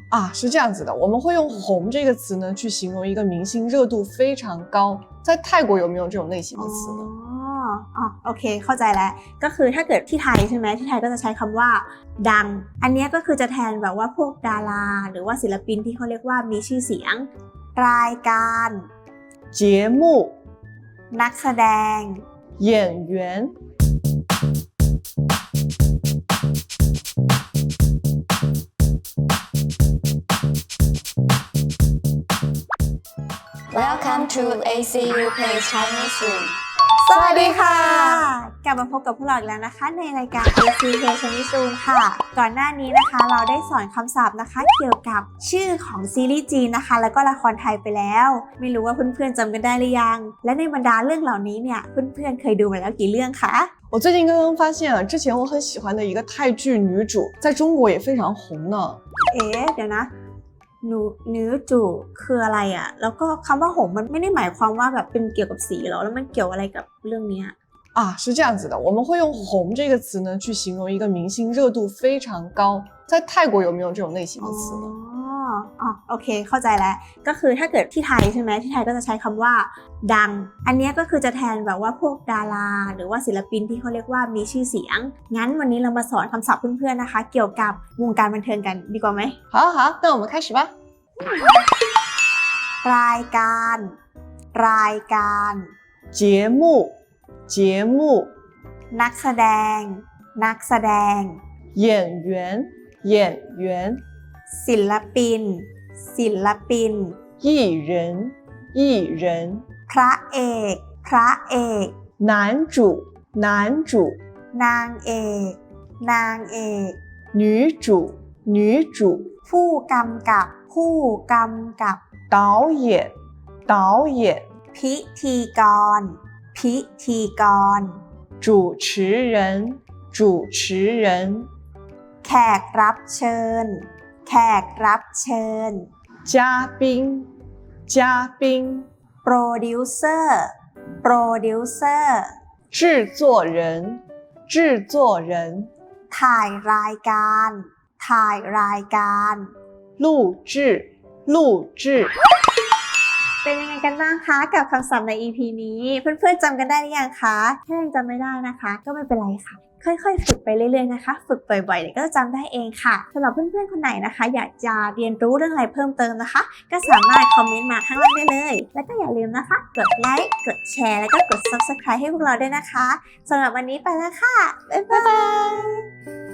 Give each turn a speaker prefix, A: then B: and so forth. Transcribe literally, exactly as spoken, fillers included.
A: 啊，是这样子的，我们会用红这个词呢，去形容一个明星热度非常高。在泰国有没有这种类型的词呢？
B: อ๋ออ๋อโอเคเข้าใจแล้วก็คือถ้าเกิดที่ไทยใช่ไหมที่ไทยก็จะใช้คำว่าดังอันนี้ก็คือจะแทนแบบว่าพวกดาราหรือว่าศิลปินที่เขาเรียกว่ามีชื่อเสียงรายการ
A: 节目
B: นักแสดง
A: 演员
C: Welcome to เอ ซี ยู Plays Chinese Room
B: สวัสดีค่ะกลับมาพบกับพวกเราอีกแล้วนะคะในรายการ เอ ซี Plays Chinese Room ค่ะก่อนหน้านี้นะคะเราได้สอนคำศัพท์นะคะเกี่ยวกับชื่อของซีรีส์จีนนะคะแล้วก็ละครไทยไปแล้วไม่รู้ว่าเพื่อนๆจำกันได้หรือยังและในบรรดาเรื่องเหล่านี้เนี่ยเพื่อนๆเคยดูมาแล้วกี่เรื่องคะ
A: 我最近刚刚发现啊，之前我很喜欢的一个泰剧女主，在中国也非常红呢。
B: เอ๊ะเดี๋ยวนะหนูเนื้อจูคืออะไรอ่ะแล้วก็คำว่าหงมันไม่ได้หมายความว่าแบบเป็นเกี่ยวกับสีหรอแล้วมันเกี่ยวอะไรกับเรื่องนี้
A: 啊，是这样子的，我们会用红这个词呢，去形容一个明星热度非常高。在泰国有没有这种类型的词呢？
B: อ๋อโอเคเข้าใจแล้วก็คือถ้าเกิดที่ไทยใช่ไหมที่ไทยก็จะใช้คำว่าดังอันนี้ก็คือจะแทนแบบว่าพวกดาราหรือว่าศิลปินที่เขาเรียกว่ามีชื่อเสียงงั้นวันนี้เรามาสอนคำศัพท์เพื่อนๆนะคะเกี่ยวกับวงการบันเทิงกันดีกว่าไหม
A: 好好，那我们开始吧。
B: รายการรายการ
A: 节目节目
B: นักแสดงนักแสดง
A: 演员演员
B: ศิลปินศิลปิน
A: 艺人艺人
B: พระเอกพระเอก
A: 男主男主
B: นางเอกนางเอก
A: 女主女主
B: ผู้กำกับผู้กำกับ
A: 导演导演
B: พิธีกรพิธีกร
A: 主持人主持人
B: แขกรับเชิญแขกรับเชิญ
A: 嘉宾嘉宾
B: โปรดิวเซอร์โปรดิวเซอร์
A: 制作人制作人
B: ถ่ายรายการถ่ายรายการ
A: 录制录制
B: เป็นยังไงกันบ้างคะกับคำศัพท์ใน อี พี นี้เพื่อนๆจำกันได้หรือยังคะถ้ายังจำไม่ได้นะคะก็ไม่เป็นไรค่ะค่อยๆฝึกไปเรื่อยๆนะคะฝึกบ่อยๆเดี๋ยวก็จะจำได้เองค่ะสำหรับเพื่อนๆคนไหนนะคะอยากจะเรียนรู้เรื่องอะไรเพิ่มเติมนะคะก็สามารถคอมเมนต์มาข้างล่างได้เลยแล้วก็อย่าลืมนะคะกดไลค์กดแชร์แล้วก็กด ซับสไครบ์ ให้พวกเราด้วยนะคะสำหรับวันนี้ไปแล้วค่ะบ๊ายบาย